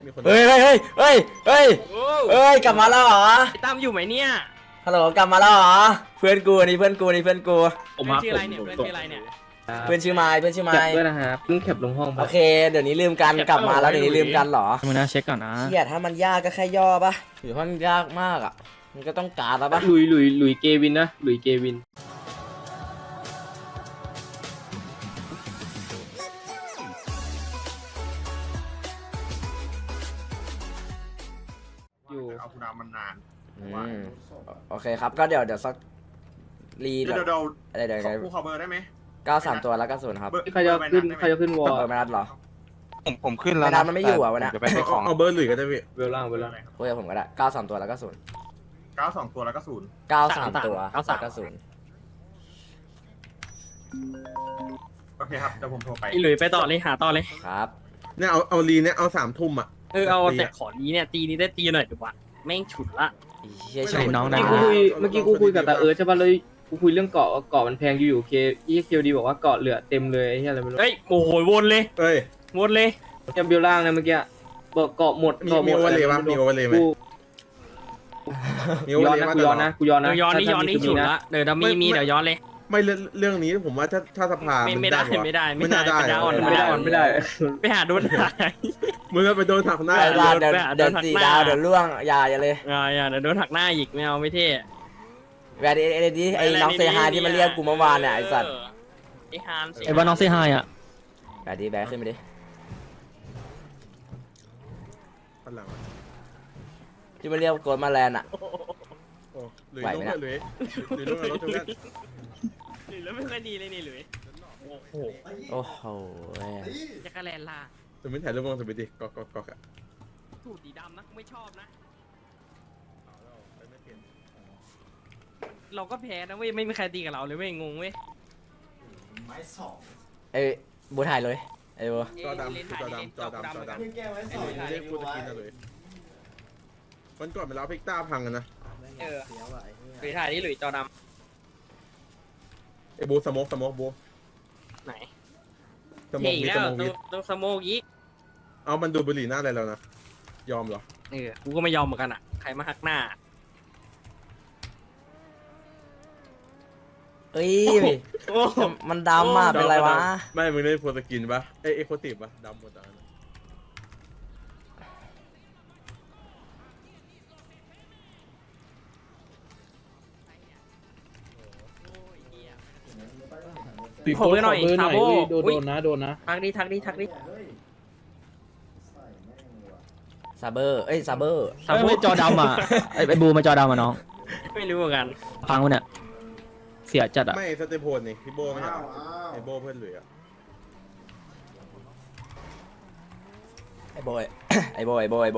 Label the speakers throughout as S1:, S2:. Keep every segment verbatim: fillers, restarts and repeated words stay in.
S1: เฮ้ยเฮ้ยเฮ้ยเฮ้ยเฮ้ยเฮ้ยกลับมาแล้วเหรอ
S2: ไอ้ตั้มอยู่ไหมเนี่ย
S1: ฮัลโหลกลับมาแล้วเหรอเพื่อนกูนี่เพื่อนกูนี่เพื่อนกู
S2: ผมชื่ออะไรเนี่ยเพื่อนชื่ออะไรเนี่ย
S1: เพื่อนชื่อไม้เพื่อนชื่อไม้
S3: ด้วยนะครับเพิ่งแคปลงห้อง
S1: โอเคเดี๋ยวนี้ลืมกันกลับมาแล้วเดี๋ยวนี้ลืมกันเหรอ
S3: มึงนะเช็คก่อนนะ
S1: เฮียถ้ามันยากก็แค่ย่อปะหรือว่ามันยากมากอ่ะมันก็ต้องการแล้วปะ
S3: ลุยลุยลุยเกวินนะลุยเกวิน
S4: อยู่เอาคุณอามันนาน
S1: โอเคครับก็เดี๋ยวเดี๋ยวสักรี
S4: เดี๋ยวเดี๋ยว
S1: เดี๋ยวเดี๋ยว
S4: คู่ขอเบอร์ได้ไหม
S1: เก้าสามตัวแล้วก็ศูนย์ครับ
S3: ใครจะขึ้นใครจะขึ้นวอล
S1: เบอร์ไม่นัดหรอ
S5: ผมผมขึ้นแล้ว
S1: ไม่นัดมันไม่อยู่อ่ะวันนี้
S5: จะไปให้ของ
S4: เอาเบอร์หรือก็ได้พี่
S3: เวลล่างเวลล่าง
S1: คุยกับผมก็ได้เก้าสามตัวแล้วก็ศูนย์
S4: เก้าสองตัวแล้วก็ศูนย์
S1: เก้าสามตัวแล้วก็ศูนย์
S4: โอเคครับเดี๋ยวผมโทรไป
S2: ไอ้หลุยไปต่อเลยหาต่อเลย
S1: ครับ
S4: เนี่ยเอาเอาลีเนี่ยเอาสามทุ่มอ่ะ
S2: เออเอาแต่ขอนี้เนี่ยตีนี้ได้ตีหน่อยดีกว่าแม่งฉุดละ
S1: ใช่น้องนะ
S3: เมื่อกี้กูคุยเมื่อกี้กูคุยกับตาเอิร์ธใช่ป่ะเลยกูคุยเรื่องเกาะเกาะมันแพงอยู่อยู่เคอีเคดีบอกว่าเกาะเหลือเต็มเลยไอ้เหี้ยอะไรไม่รู้
S2: เฮ้ยโอ้โหวนเลย
S4: เอ้ย
S2: วนเลย
S3: ยังเบลล่างนะเมื่อกี้บอกเกาะหมด
S4: เกาะหมดมีโอเวอร์เลยมั้ยมีโอเวอร์เลยมั้ย
S3: มีโอเวอร์เลยมั้ยกูย้อนนะกูย้อนนะ
S2: ย้อนนี่ย้อนนี่ฉุดละเดี๋ยวดัมมี่มีเดี๋ยวย้อนเลย
S4: ไม่เรื่องนี้ผมว่าถ้าถ้าสภา
S2: ไม่ได้ไม่ได้ไม่ได้ไม่ได้
S3: ไม่ได้ไม่ได้
S2: ไปหาโดนหาย
S4: มึงก็ไปโดนหักหน้า
S1: เดี๋ยวเดี๋ยวสี่ดาวเดี๋ยวล่วงอย่าอย่าเลย
S2: อย่าอย่าเดี๋ยวโดนหักหน้าอีกไม่เอาไม่เท่
S1: แวร์ดีเอดีไอ้น้องเซฮายที่มันเรียกกูเมื่อวานเนี่ยไอ้สัตว์
S2: ไอ้ฮาน
S3: ไอ้บ้านน้องเซฮายอ่ะ
S1: แวร์ดีแบกขึ้นไปดิที่มันเรียกโกลมาแลนด์อ่ะ
S4: ไหวไหมนะหรือหรือหรือหรือ
S2: แล้วไม่ค่อยดีเลยนี่หลุย
S1: โอ้โหโอ้โห
S2: จักรแลนล่ะ
S4: สมมติถ่ายรูปลงสมมติดิก็ก็ก็อะ
S2: สูตรสีดำนะไม่ชอบนะเราก็แพ้นะเว้ยไม่มีใครตีกับเราเลยเว้ยงงเว้ย
S1: ไม้สองไอ้บัวถ่ายเลยไอ้บัว
S4: จอดำจอดำจอดำจอดำเรียกพูดตะกี้นะเลยมันก่อนไปแล้วพิกต้าพังกันนะ
S2: เออหลุยถ่ายนี่หลุยจอดำ
S4: ไอ้บูสโมกสโมกบู
S2: ไหน
S4: สโมกมีสโมกมี
S2: ต้องสโมกอีก
S4: เอามันดูบุหรี่หน้าอะไรแล้วนะยอมเหรอ
S2: เออกูก็ไม่ยอมเหมือนกันอ่ะใครมาหักหน้า
S1: เอ้ยมันดำอ่ะเป็นไรวะ
S4: ไม่มึงได้โพสกินปะเอ้เอ็กโคติฟปะดำหมดอ่ะ
S2: ปีโป้หน่อยซาโบ
S3: โดนนะโดนนะ
S2: ทักดิทักดิทักดิ
S1: ซาเบอร์เอ้ยซาเบอร์
S3: ซาโบจอดำอ่ะไอ้บูมาจอดำอ่ะน้อง
S2: ไม่รู้เหมือนกัน
S3: พังวะเนี่ยเสียจัดอ่ะ
S4: ไม่สเตปโพนนี่พี่โบไม่ใช่ไอโบเพื่อนเหลือ
S1: ไอโบไอโบไอโบไอโบ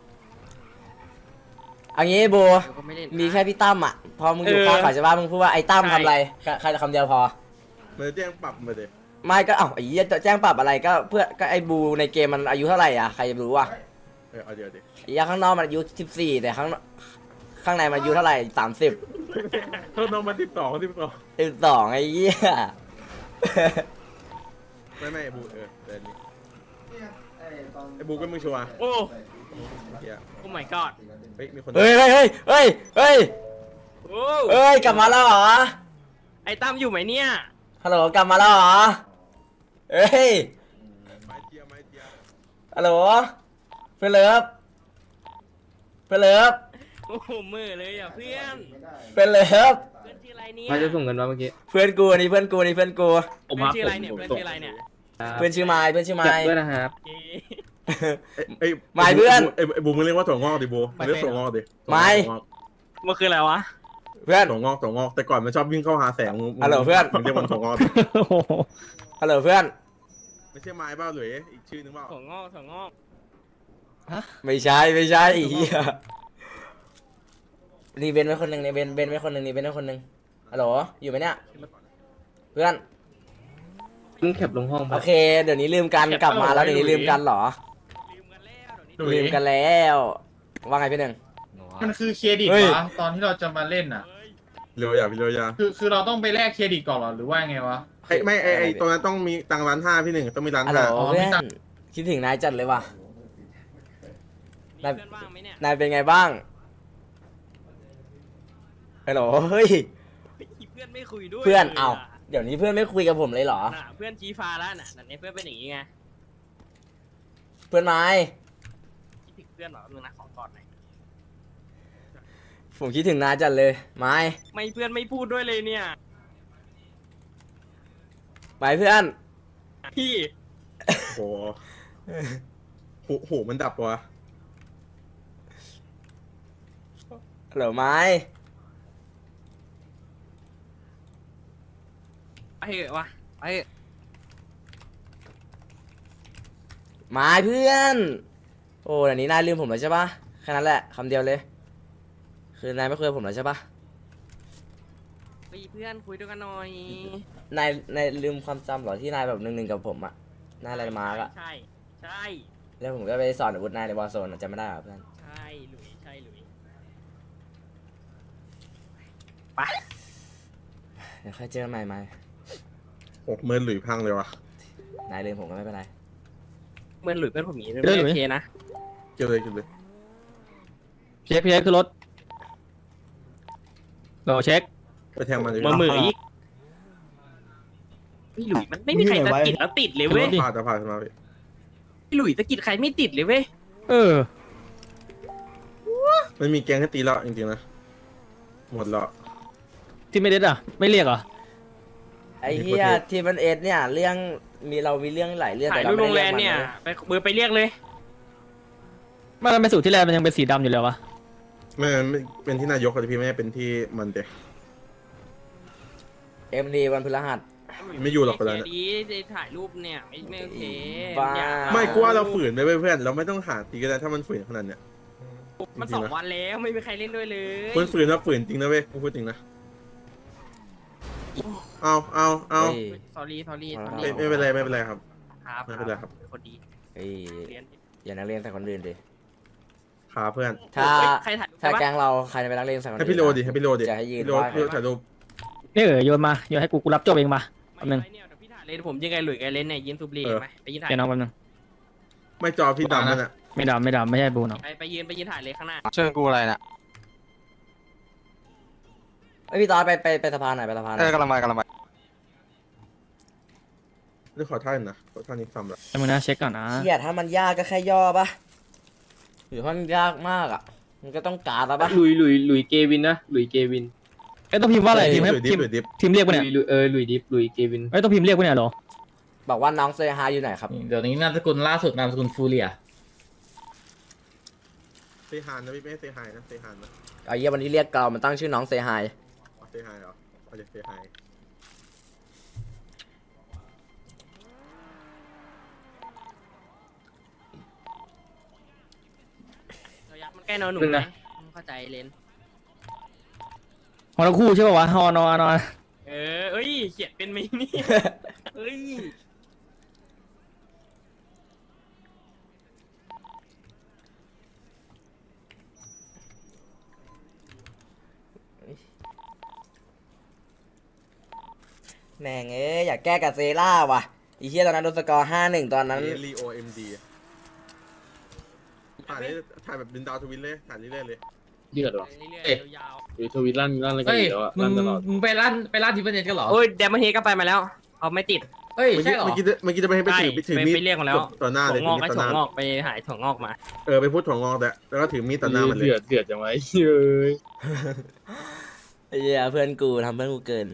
S1: อันนี้โบมีแค่พี่ตั้มอ่ะพอมึงอยู่ข้างขวาใช่ป่ะมึงพูดว่าไอ้ตั้มทำอะไรใครคำเดียวพอ
S4: มันแจ้งปรับมาเลย
S1: ไม่ก็เอ้าไอ้ยี่จะแจ้งปรับอะไรก็เพื่อก็ไอ้บูในเกมมันอายุเท่าไหร่อ่ะใครจะรู้วะ
S4: เออเอาเดี๋ยวดิ
S1: ไอ้ยาข้างนอกมันอายุสิบสี่แต่ข้างข้างในมันอายุเท่าไหร่สามสิบ
S4: ข้างนอกมันสิบสองสิบสอง
S1: สิบสองไอ้ยี่
S4: ไม่ไม่บูเออเดี๋ยวนี้ไอ้บูก็มึงชัวร์
S2: โอ้โอ้ my god
S4: เฮ้ยมีคน
S1: เฮ้ยเฮ้ยเฮ้ยเฮ้ยเฮ้ยเฮ้ยกลับมาแล้วเหรอ
S2: ไอ้ตั้มอยู่ไหมเนี่ย
S1: ฮัลโหลกลับมาแล้วเหรอเฮ้ยฮัลโหลเพื่อนเลิฟเพื่อนเลิฟ
S2: โอ้โหมือเลยอ่ะเพื่อน
S1: เพื่อนเลิฟ
S2: เพื่อนชื่ออะไรเนี่ย
S3: ใครจะส่งเงินมาเมื่อกี้
S1: เพื่อนกูนี่เพื่อนกูนี่เพื่อนกู
S2: เพื่อนชื่ออะไรเนี่ยเพื่อนชื่ออะไรเนี่ย
S1: เพื่อนชื่อไม้เพื่อนชื่อไม้
S3: ด้วยนะครับ
S4: ไอ้
S1: ไม้เพื่อน
S4: ไอ้ไอ้บูมึงเรียกว่าถั่วงอกดิบูมึงเรียกถั่วงอกดิ
S1: ไม้
S2: มันคืออะไรวะ
S1: เพื่อน
S4: ถั่วงอกถั่วงอกแต่ก่อนมันชอบวิ่งเข้าหาแสง
S1: ฮัลโหลเพื่อน
S4: มึงเรียกมันถั่วงอก
S1: ฮัลโหลเพื่อน
S4: ไม่ใช่ไม้เปล่าหรืออีกชื่อนึงเปล่า
S2: ถั่วงอกถั่วงอก
S1: ฮะไม่ใช่ไม่ใช่อีเหี้ยนี่เบนไว้คนหนึ่งนี่เบนเบนไว้คนหนึ่งนี่เบนไว้คนหนึ่งฮัลโหลอยู่ไหมเนี่ยเพื่อน
S3: เพิ่งแคปลงห้อง
S1: โอเคเดี๋ยวนี้ลืมกันกลับมาแล้วเดี๋ยวนี้ลืมกันเหรอลืมกันแล้วว่าไงพี่หนึ่ง
S6: มันคือเครดิตวะตอนที่เราจะมาเล่นอ่ะ
S4: เร็วอย่าพี่เร็วอย่า
S6: คือคือเราต้องไปแลกเครดิตก่อนหรอหรือว่าไงวะ
S4: ไอ้ไม่ไอ้ไอ้ตรงนั้นต้องมีตังร้านห้าพี่หนึ่งต้องมีร้าน
S1: ห้าเพื่อนคิดถึงนายจัดเลยว่ะ
S2: มีเพื่อนว่างไหมเนี่ย
S1: นายเป็นไงบ้างฮัลโหลเฮ้ย
S2: เพื่อนไม่คุยด้วย
S1: เพื่อน
S2: ลยะ
S1: เอ้าเดี๋ยวนี้เพื่อนไม่คุยกับผมเลยเหรอ
S2: น่ะเพื่อนชี้ฟ้าแล้วน่ะนั่นเนี่ยเพื่อนเป็นอย่างงี้ไง
S1: เพื่อนไม้
S2: คิดถึงเพื่อนเหรอมึงนะขอกอดหน่อย
S1: ผมคิดถึงนายจัดเลยไม้
S2: ไม่เพื่อนไม่พูดด้วยเลยเนี่ย
S1: ไปเพื่อน
S2: พี่
S4: โหหูหูมันดับวะ
S1: ฮัลโหลไม้
S2: ไปเถอะวะไปเถอะ
S1: ไม้เพื่อน โอ้เดี๋ยวนี้นายลืมผมแล้วใช่ปะแค่นั้นแหละคำเดียวเลย คือนายไม่คุยกับผมแล้วใช่ปะ
S2: ไปเพื่อนคุยด้วยกันหน่อย
S1: นายนายลืมความจำเหรอที่นายแบบหนึ่งหนึ่งกับผมอะนายอะไรมาร์กอะ
S2: ใช่ใช่
S1: แล้วผมก็ไปสอนอาวุธนายในวอร์โซนอะจำไม่ได้เหรอเพื่อน
S2: ใช่หลุยใช่หลุย
S1: เดี๋ยวค่อยเจอกันใหม่ไหม
S4: โอ้เมินหลุยพังเลยวะ
S1: นายลืมผมก็ไม่เป็นไร
S2: เมื่อนหลุยเพื่อนผมหนี
S3: เรื่องหลุ
S2: ไม่
S3: ย
S2: โอเคนะ
S4: เกี่ยวเลยเกี่ยวเลย
S3: เช็คเช็คคือรถเราเช็ค
S4: ไปแทงมันเลย
S2: มือมืออีกพี่หลุยมันไม่มีใครสะกิดแล้วติดเลยเว้ย
S4: ผ่าจะผ่าขึ้นมาพี่
S2: พี่หลุยสะกิดใครไม่ติดเลยเว้ย
S3: เออ
S4: มันมีแกงให้ตีแล้วจริงๆนะหมดแล้ว
S3: ที่ไม่เด็ดอ่ะ ไม่เรียกเหรอ
S1: ไอ้เหี้ยทีมันเอสเนี่ยเรื่องมีเรามีเรื่องหลายเรื่อง
S2: ถ่าย
S1: แต่
S2: รู
S1: เรา
S2: ปโร
S1: ไม่
S2: ง
S1: ได้
S2: แร
S1: เรียก
S2: ม
S1: มัน
S2: เนี่ย
S1: นะ
S2: ไปเบอร์ไปเรียกเลย
S3: ไม่ทำไมสูตรที่แรกมันยังเป็นสีดำอยู่เลยวะ
S4: ไม่ไม่เป็นที่นายกเลยพี่ไม่ได้เป็นที่มันเตะ
S1: เอ็มดีวันพฤหัส
S4: ไม่อยู่หรอกเวลาเนี่ย
S2: ดีดีถ่ายรูปเนี่ยไม่ไม่โอเค
S1: บ้า
S2: อยาก
S4: ไม่กลัวเราฝืนไปเว้ยเพื่อนเราไม่ต้องหาตีก็ได้ถ้ามันฝืนขนาดเนี้ย
S2: มันสองวันแล้วไม่มีใครเล่นด้วยเลย
S4: คนฝืนนะฝืนจริงนะเว้ยกูพูดจริงนะเอาเอาเอา
S1: เฮ้ย
S2: สอรี่สอรี่
S4: ไม่ไม่เป็นไรไม่เป็นไรครับ
S2: ครับ
S4: ไม่เป็นไรครับ
S2: คนดี
S1: เฮ้ย
S2: เรียน
S1: อย่านักเรียนใส่คนอื่นดิ
S4: ขาเพื่อน
S1: ถ้า
S2: เฮ้ยใครถ่ายรูป
S1: ถ้า
S2: ใช่ปะ
S1: แก๊งเราใครจะไปนักเรียนใส่คน
S4: ให้
S1: อื่น
S4: พี่โรดิให้พี่โรดิ
S1: จะให้ยืน
S4: พี่โร
S1: ไหว้
S4: พี่โรถ่ายรูป
S3: นี่เออโยนมาโยนให้กูกูรับจบเองมา แป๊บนึง
S2: ไม่เนี่ยเดี๋ยวพี่ถ่ายเลยผมยังไงหลุยส์กับเล่นเนี่ยยืนสูบบุหรี่
S4: เออ
S2: ไหมไปยืนถ่าย
S3: เดี๋ยวน้องแป๊บนึง
S4: ไม่จอพี่ดำนั่นอ่ะ
S3: ไม่ดำไม่ดำไม่ใช่บูน้อง
S2: ไปไปยืนไปยืนถ่ายเลยข้างหน้า
S5: เชิญกูอะไรน่ะ
S1: ไอยพี่ตอดไปไปไปสะพานหน่อยไปสะพานห
S5: เอ
S1: น่อ
S5: อย กำลังมากำลังมา
S4: เรื่องขอท่านนะขอท่านนี้ทำละ
S3: แต่มึงนะเช็คก่อนนะ
S1: เฮียถ้ามันยากก็แค่ย่อปะหรือถ้ามันยากมากอ่ะ มันก็ต้องการแล้วปะ
S3: ลุยลุยลุยเกวินนะลุยเกวินเอ้ยต้องพิมพ์ว่าอะไรทีมให้
S4: หรือดิ
S3: ที
S4: ฟ
S3: ม
S4: หรือดิฟ
S3: ทีมเรียก
S2: ลุ
S3: ปะ
S2: ย
S3: เนี่ย
S2: ลุยเออลุยดิฟลุยเกวิน
S3: เอ้ยต้องพิมพ์เรียกปะเนี่ยเหรอ
S1: บอกว่าน้องเซฮายอยู่ไหนครับ
S7: เดี๋ยวนี้นามสกุลล่าสุดนามสกุลฟูเรีย
S4: เซฮานนะพี่ไม่ให้เซฮายนะเซฮานนะ
S1: ไอ้เหี้ยวันนี้เรียกเกามันตั้งชื่อน้องเซฮาย
S4: อ๋อเซฮายเหรอเอาจะเซฮาย
S2: ระยะมันใกล้นอนหนุ่มไหมเข้าใจเลน
S3: ฮอนคู่ใช่ป่าวะฮอนอนอน
S2: เออเอ้ยเขียนเป็นไหมนี่เอ้ย
S1: แม่งเอ้ยอยากแก้กับเซล่าว่ะไอีเหี้ยตอนนั้นโดนสกอร์ห้าหนึ่งตอนนั้น
S4: เอลีโอเอ็มดีถ่ายเลยถ่ายแบบบินดาวทวินเลยถ่ายเรื่อยๆเลย
S7: เดือดหรอ
S2: เรื่อย
S7: เอ๊ะ
S2: ๆยาว
S7: หรือทวิตลั่นลั่นอะไรกัน
S8: เฮ้ย
S7: อยู่แล้วอะ
S8: มึ
S7: ลั่
S8: ง
S7: นตลอด
S8: มึงไปร้านไปร้านทิพเน็ตกันเหรอ
S2: ๆโอ้ยเดมอนเฮก็ไปมาแล้วเขาไม่ติด
S8: เฮ้ย
S4: เมื่อ
S8: ใช่
S4: กี้
S8: เหรอ
S4: เมื่อกี้เมื่อกี้จะไปให้ไปถือไปถือ
S2: ไป
S4: มีด
S2: ไปเรียกมาแล้ว
S4: ต่อหน้าเลย
S2: ถั่วงอกก็
S4: ต่อห
S2: ถั่ว
S4: น้าง
S2: อกไปหายถั่วงอกมา
S4: เออไปพูดถั่วงอกแต่แล้วก็ถือมีดต่อหน้ามันเลย
S7: เดือดเดือดจังไว้เย้ย
S1: ไอ้เหี้ยเพื่อนกูทำเพื่อนกูเกิน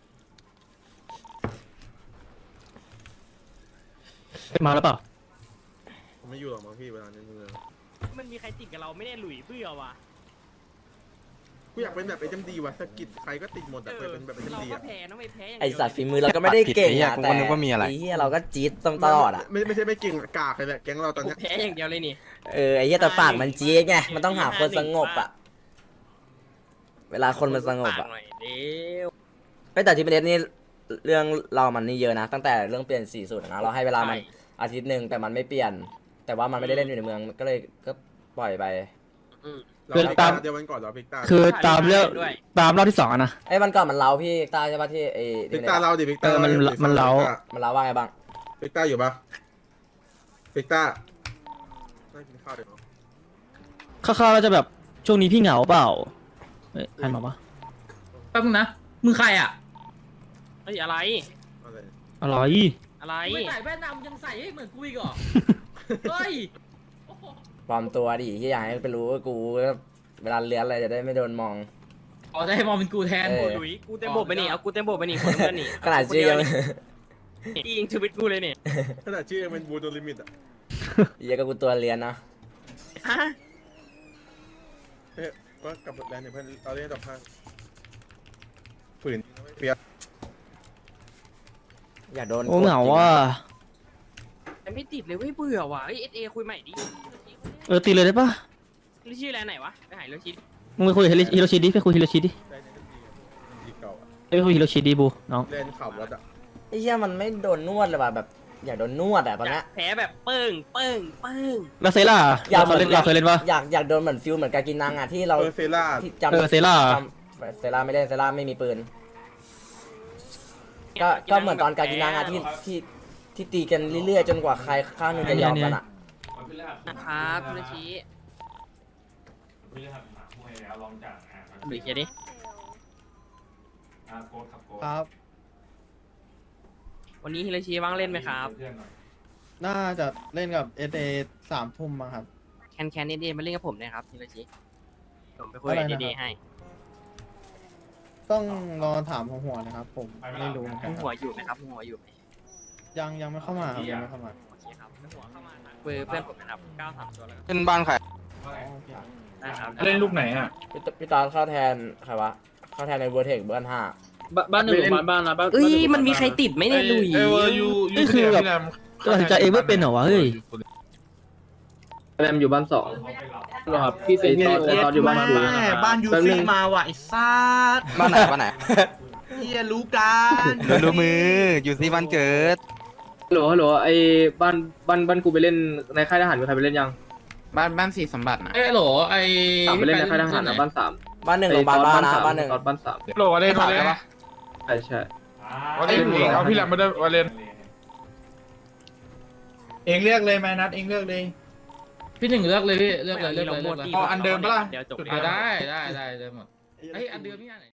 S3: มาแล้วเปล่า
S4: ผมไม่อยู่หรอกมั้งพี่เวลานี้เลย
S2: มันมีใครติดกับเราไม่ได้หลุยเบื่อว่ะ
S4: กูอยากเป็นแบบไอ้จำดีว่ะสะกิดใครก็ติดหมดอะไปเป็นแบบไอ้
S2: เรา
S4: จำดี
S2: ก็
S4: อะ
S2: แพ้นะไม่แพ้อย่าง
S1: ไอ
S2: เดียว
S1: สัตว์ฝีมือเราก็ไม่ได้เก่ง
S5: ผิดไอ้เหี้ย
S1: อะ
S5: กู
S1: แต่
S5: ก็นึกว่ามีอะไร
S1: ไอ้เหี้ยเราก็จี๊ดตลอดอะ
S4: ไม่ไม่ใช่ไม่เก่งอะกากเลยแหละแก๊งเราตอน
S2: กู
S4: เนี้ย
S2: แพ้อย่างเดียวเลยนี่
S1: เออไอ้เหี้ยแต่ปากมันจี๊ดไงมันต้องหาคนสงบอะเวลาคนมันสงบอะ
S2: ปากหน่อยเร็ว
S1: ไอ้ยแต่ที่ประเด็นนี่เรื่องเรามันนี่เยอะนะ ตั้งแต่เรื่องเปลี่ยนสีสูตรนะเราให้เวลามันอาทิตย์หนึ่งแต่มันไม่เปลี่ยน แต่ว่ามันไม่ได้เล่นอยู่ในเมืองก็เลยก็ปล่อยไป
S4: เราพิกตาเดียววันก่อนเราพิกตา
S3: คือตามเรื่องตามรอบที่สองอะนะ
S1: ไอ้วันก่อนมันเล้าพี่ตาใช่ปะที่ไอ้
S4: พิ
S1: ที่
S4: กตาเราดิพิกตา
S3: เออมันมันเล้า
S1: มันเล้าว่าไงบ้าง
S4: พิกตาอยู่ปะพิกตาได้กินข้าวเดี๋ยวเนาะ
S5: คร่าวๆแล้วจะแบบช่วงนี้พี่เหงาเปล่าเอ้ยใครมาวะ
S6: แป๊บนึงนะมึงใครอ่ะ
S2: เฮ้ยอะไร
S4: อะไร
S5: อะไร
S2: อะไร
S6: ไม่ใส่แว่นดำยังใส่ให้เหมือนกูอีกเหรอ เฮ้ย
S1: ปลอมตัวดิที่อยากให้ไปรู้ว่ากูเวลาเลื้อนอะไรจะได้ไม่โดนมอง
S6: อ๋อจะให้มองเป็นกูแทน
S1: เออ
S2: หลุยกูเต็มโบกไปนี่เอากูเต็มโบกไปนี่คนเพื่อนนี่
S1: ขนาดชื่อยัง
S2: จริงชีวิตกูเลยนี่
S4: ขนาดชื่อยังเป็นบูโดลิมิตอ่ะ
S1: เหี้ยก็กูตัวเลี้ยนนะ
S2: ฮะ
S4: เฮ้ยก็กลับแลนด์เนี่ยเพื่อนเราเล่นต่อพังฝืนเปียก
S1: อยากโดน
S5: โอ้เหงาว่ะ
S2: แต่ไม่ติดเลยเว้ยเบื่อว่ะเอ้ยเอสเอคุยใหม่ดิ
S5: เออตีเลยได้ปะ
S2: หรือชื่ออะไรไหนวะไปหายเลยชิด
S5: มึงไปคุยกับฮิโรชิดิไปคุยฮิโรชิดิ
S4: ได้ในดีดีเก่าอ่ะ
S5: ไปคุยฮิโรชิดิบูน้อง
S4: เล่นขับรถอ่ะ
S1: ไอ้เหี้ยมันไม่โดนนวดเลยว่ะแบบ อยากโดนนวดอะตอนเนี้ย
S2: แพ้แบบเปิ้งเปิ้งเปิ้ง
S5: แล้วเซล่า
S1: อยาก
S5: เราเคยเล่นเราเคยเล่นปะ
S1: อยากอยากโดนเหมือนฟิลเหมือนกากินังอะที่เรา
S4: เออเซล่า
S1: ที่จำ
S5: เออเซล่า
S1: จำเซล่าไม่ได้เซล่าไม่มีปืน ก็ก็เหมือนตอนกากินังอะที่ที่ที่ตีกันเรื่อยๆจนกว่าใครข้างหนึงจะยอมกันอะ
S2: นะครับคุณชิหรือเคียดิ
S8: ครับ
S2: วันนี้ฮิโรชิว่างเล่นไหมครับ
S8: น่าจะเล่นกับเอเอสามทุ่มมั้งครับ
S2: แคนแคนเอเดมาเล่นกับผมนะครับฮิโรชิผมไปคุย
S8: อะไร
S2: กับ
S8: นะครับ
S2: เอเดให้
S8: ต้องรอถามของหัวนะครับ ผมไม่รู้เหมือนกั
S2: มึ
S8: น
S2: ง
S8: ค
S2: หัว
S8: รับ
S2: อยู่ไหมครับมึงหัวอยู่ไหม
S8: ยังยังไม่เข้ามาครับยังไม่เข้ามา
S2: โอเคครับมึงหัวเข้ามาทางเบอร์เพื่อนผมนะครับเก้าสามตัวแล้วกัน
S9: เป็นบ้านใคร
S8: อ๋อโอเค
S2: นะครับ
S6: เล่นลูกไหนอ่ะ
S1: พี่ตพี่ตอนเข้าแทนใครวะเข้าแทนในเวอร์เทคเบอร์ห้า
S7: บ้านหนึ่งบ้านบ้านนะบ้าน
S2: เอ้ยมันมีใครติดไหมเนี่ยลุย
S6: เออยูยู
S5: นี่คือแบบตัดสินใจเองไม่เป็นเหรอวะเฮ้ย
S3: แรมอยู่บ้านสอง
S7: ครับพี่เซน
S3: ไอ้ตอนไอ้ตอนอยู่บ้านกู
S9: บ้านยูซี่มาว่ะไอ้ซัดบ้านไหนบ้านไหนเฮียรู้กันรู้มือยูซี่บ้านเกิด
S3: ฮัลโหลฮัลโหลไอ้บ้านบ้านบ้านกูไปเล่นในค่ายทหารมีใครไปเล่นยัง
S9: บ้านบ้านสีสมบัตินะ
S6: เอ้ยโหลไอ้
S3: สามไปเล่นในค่ายทหารนะบ้านสาม
S1: บ้านหนึ่งโรงพยาบาลบ้านนะบ้านหนึ่ง
S3: ตอนบ้านสาม
S6: โหลวาเลนวาเลน
S3: ใช่ใช่
S6: วาเลนเองเอาพี่แหลมมาด้วยวาเลนเองเลือกเลยแมนัทเองเลือกเลย
S7: พี่หนึ่งเลือกเลยพี่เลือกเลยเลือกเลย
S2: ไม่
S7: เลือกเลย
S2: ดี
S6: อ๋ออันเดิมปะล่ะ
S2: เดี๋ยวจบ
S7: อ่ะได้ได้ได้ได้หมดเฮ้ยอันเดิมนี่อันไหน